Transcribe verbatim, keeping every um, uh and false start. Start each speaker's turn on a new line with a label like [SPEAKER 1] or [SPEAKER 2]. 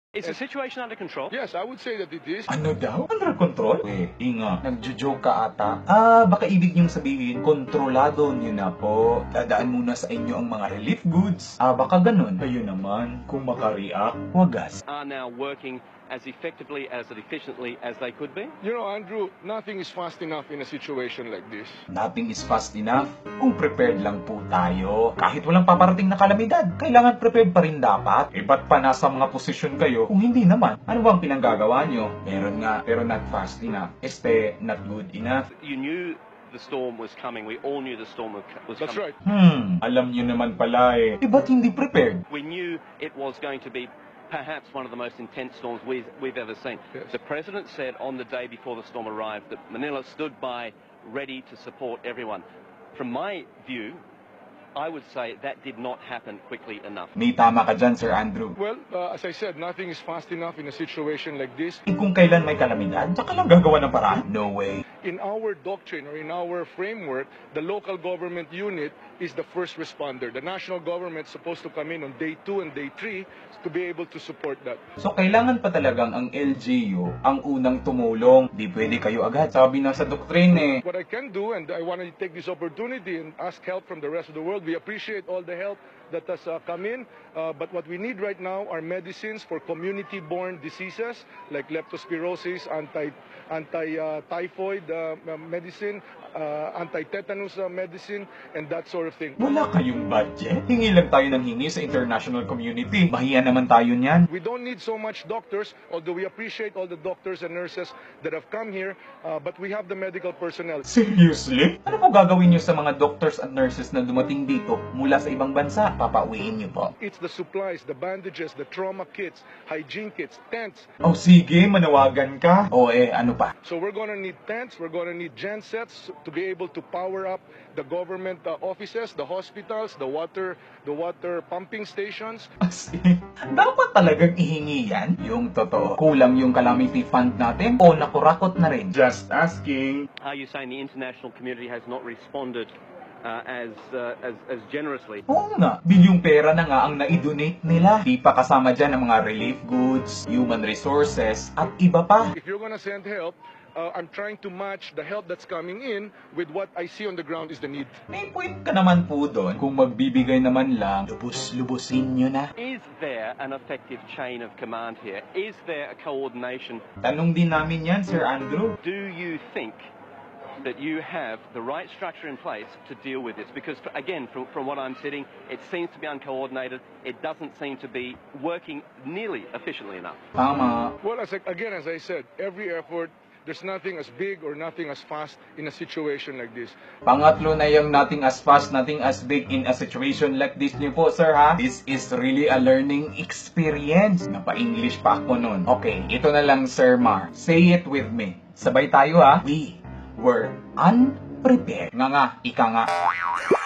[SPEAKER 1] Is the situation under control?
[SPEAKER 2] Yes, I would say that it is.
[SPEAKER 3] Ano daw? Under control? Eh, inga. Nagjo-joke ka ata. Ah, baka ibig niyong sabihin, kontrolado niyo na po. Dadaan muna sa inyo ang mga relief goods. Ah, baka ganun. Kayo naman, kung makareact, wagas.
[SPEAKER 1] Are now working as effectively, as efficiently as they could be?
[SPEAKER 2] You know, Andrew, nothing is fast enough in a situation like this.
[SPEAKER 3] Nothing is fast enough kung prepared lang po tayo. Kahit walang paparating na kalamidad, kailangan prepared pa rin dapat. Eh, ba't pa nasa mga posisyon kayo kung hindi naman? Ano bang pinanggagawa nyo? Meron nga, pero not fast enough. Este, not good enough.
[SPEAKER 1] You knew the storm was coming. We all knew the storm was
[SPEAKER 2] That's
[SPEAKER 1] coming.
[SPEAKER 2] right.
[SPEAKER 3] Hmm, alam nyo naman pala eh. Eh, ba't hindi prepared?
[SPEAKER 1] We knew it was going to be perhaps one of the most intense storms we've, we've ever seen.
[SPEAKER 2] Yes.
[SPEAKER 1] The President said on the day before the storm arrived that Manila stood by ready to support everyone. From my view, I would say that did not happen quickly enough.
[SPEAKER 3] May tama ka dyan, Sir Andrew.
[SPEAKER 2] Well, uh, as I said, nothing is fast enough in a situation like this.
[SPEAKER 3] Eh, kung kailan may kalamidad, tsaka lang gagawa ng paraan? No way.
[SPEAKER 2] In our doctrine or in our framework, the local government unit is the first responder. The national government is supposed to come in on day two and day three to be able to support that.
[SPEAKER 3] So, kailangan pa talagang ang L G U ang unang tumulong. Di pwede kayo agad. Sabi na sa doktrine eh.
[SPEAKER 2] What I can do, and I want to take this opportunity and ask help from the rest of the world. We appreciate all the help that has uh, come in, uh, but what we need right now are medicines for community-borne diseases like leptospirosis, anti, anti-typhoid uh, uh, medicine, uh, anti-tetanus uh, medicine, and that sort of thing.
[SPEAKER 3] Wala kayong budget? Hingi lang tayo ng hingi sa international community. Mahiya naman tayo niyan.
[SPEAKER 2] We don't need so much doctors, although we appreciate all the doctors and nurses that have come here, uh, but we have the medical personnel.
[SPEAKER 3] Seriously? Ano po gagawin niyo sa mga doctors at nurses na dumating dito mula sa ibang bansa? Papauwiin niyo po.
[SPEAKER 2] It's the supplies, the bandages, the trauma kits, hygiene kits, tents.
[SPEAKER 3] Oh, sige, manawagan ka. O eh, ano pa?
[SPEAKER 2] So we're going to need tents, we're going to need gensets to be able to power up the government uh, offices, the hospitals, the water, the water pumping stations.
[SPEAKER 3] As in, dapat talagang ihingi yan? Yung totoo. Kulang yung calamity fund natin o nakurakot na rin? Just asking.
[SPEAKER 1] Are you saying the international community has not responded uh, as, uh, as as generously?
[SPEAKER 3] Oo nga, bilyong pera na nga ang na-donate nila. Di pa kasama dyan ang mga relief goods, human resources, at iba pa.
[SPEAKER 2] If you're going to send help, uh, I'm trying to match the help that's coming in with what I see on the ground is the need.
[SPEAKER 3] May point ka naman po doon. Kung magbibigay naman lang, lubos-lubosin nyo na.
[SPEAKER 1] Is there an effective chain of command here? Is there a coordination?
[SPEAKER 3] Tanong din namin yan, Sir Andrew.
[SPEAKER 1] Do you think that you have the right structure in place to deal with this? Because, again, from, from what I'm sitting, it seems to be uncoordinated. It doesn't seem to be working nearly efficiently enough.
[SPEAKER 3] Tama.
[SPEAKER 2] Well, as I, again, as I said, every effort, there's nothing as big or nothing as fast in a situation like this.
[SPEAKER 3] Pangatlo na yung nothing as fast, nothing as big in a situation like this niyo po, sir, ha? This is really a learning experience. Napa-English pa ako nun. Okay, ito na lang, Sir Mar. Say it with me. Sabay tayo, ha? We were unprepared. Nga nga, ika nga.